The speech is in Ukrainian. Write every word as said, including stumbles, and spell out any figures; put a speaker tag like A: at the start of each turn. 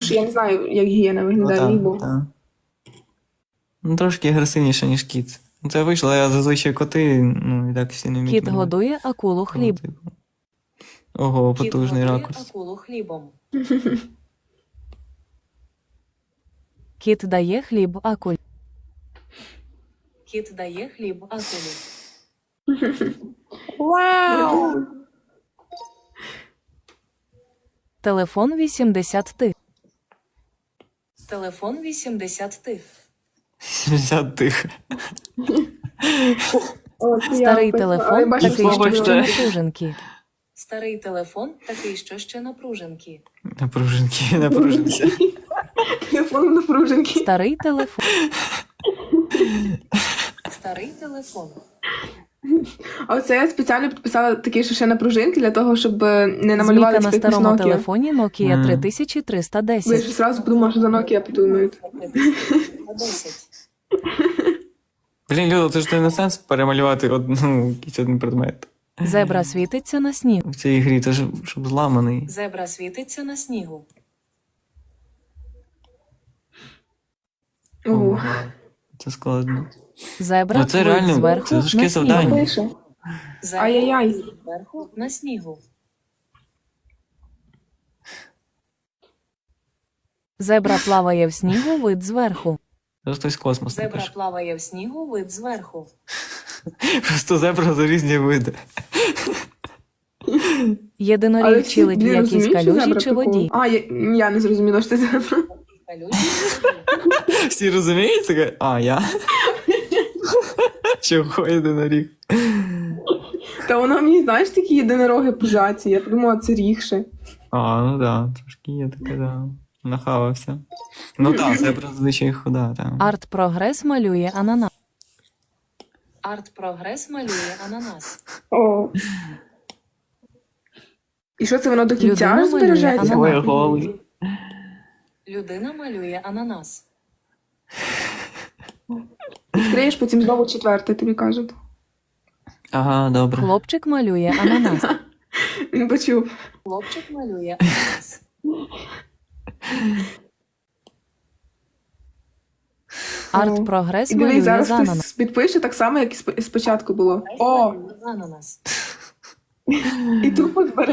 A: Я не знаю, як гієна
B: Ну,
A: виглядає,
B: так,
A: їй богу.
B: так. Ну, трошки агресивніше, ніж кіт. Ну, це вийшло, а зазвичай коти, ну, і так всі не вміють.
C: Кіт
B: малювати.
C: годує акулу хліб.
B: Типу. Ого,
D: Кіт
B: потужний
D: годує
B: ракурс.
D: акулу хлібом.
C: Кіт дає хліб акулі.
D: Кіт дає хліб акулі.
A: Вау!
C: Телефон вісімдесят тих.
D: Телефон вісімдесят тих.
B: сімдесят тих.
A: О, це я
C: Старий
A: писала.
C: телефон
A: Але бачиш,
C: такий,
B: слово
C: що
B: ще.
C: ще напруженки.
D: Старий телефон такий, що ще напруженки.
B: Напруженки, напруженки.
A: телефон напруженки.
C: Старий телефон.
D: Старий телефон.
A: А оце я спеціально підписала такі, що ще напружинки, для того, щоб е, не намалювали
C: Змійка на
A: цих
C: старому
A: Nokia.
C: телефоні Nokia
B: Мгм.
C: три тисячі триста
A: Бо я
C: десять.
A: ж одразу подумала, що за Nokia подумають.
D: десять.
B: Блін, Люда, то ж ти не сенс перемалювати одну, якийсь один предмет.
C: Зебра світиться на сніг.
B: В цій грі, це ж щоб зламаний.
D: Зебра світиться на снігу.
A: Ого.
B: Це складно.
C: Зебра
B: Ну, це
C: плить
B: реально,
C: зверху
B: це
C: на
B: важке
C: снігу.
B: завдання.
A: Пише.
D: Зебра
A: Ай-яй-яй.
D: зверху на снігу.
C: Зебра плаває в снігу, вид зверху.
B: Це хтось космос
D: Зебра
B: напише.
D: плаває в снігу, вид зверху.
B: Просто зебра за різні види.
A: Але
C: Єдиноріг
A: всі,
C: чилить в
A: блін,
C: якійсь
A: розумієш, що
C: калюжі
A: зебра
C: чи
A: прикол?
C: воді.
A: А, я, я не зрозуміла, що це зебра.
D: Калюжі.
B: Всі розуміють таке? А, я? Чого єдиноріг?
A: Та воно мені, знаєш, такі єдинороги пужаті. Я подумала, це рігше.
B: А, ну да, трошки є таке, да. Нахавався. Ну так, зебра зазвичай худа, так.
C: Арт-прогрес малює ананас.
D: Арт-прогрес малює ананас.
A: О. І що це воно до кінця
C: Людина малює
A: збережеться?
C: ананас.
B: Ой, голий.
D: Людина малює ананас.
A: Відкриєш, потім знову четверте, тобі кажуть.
B: Ага, добре.
C: Хлопчик малює ананас.
A: Він почув.
D: Хлопчик малює ананас.
C: Арт-прогрес
A: І дивись,
C: малює
A: зараз
C: з ананас.
A: хтось підпише так само, як і сп- спочатку було. О,
D: Ананас.
A: і тупо збере.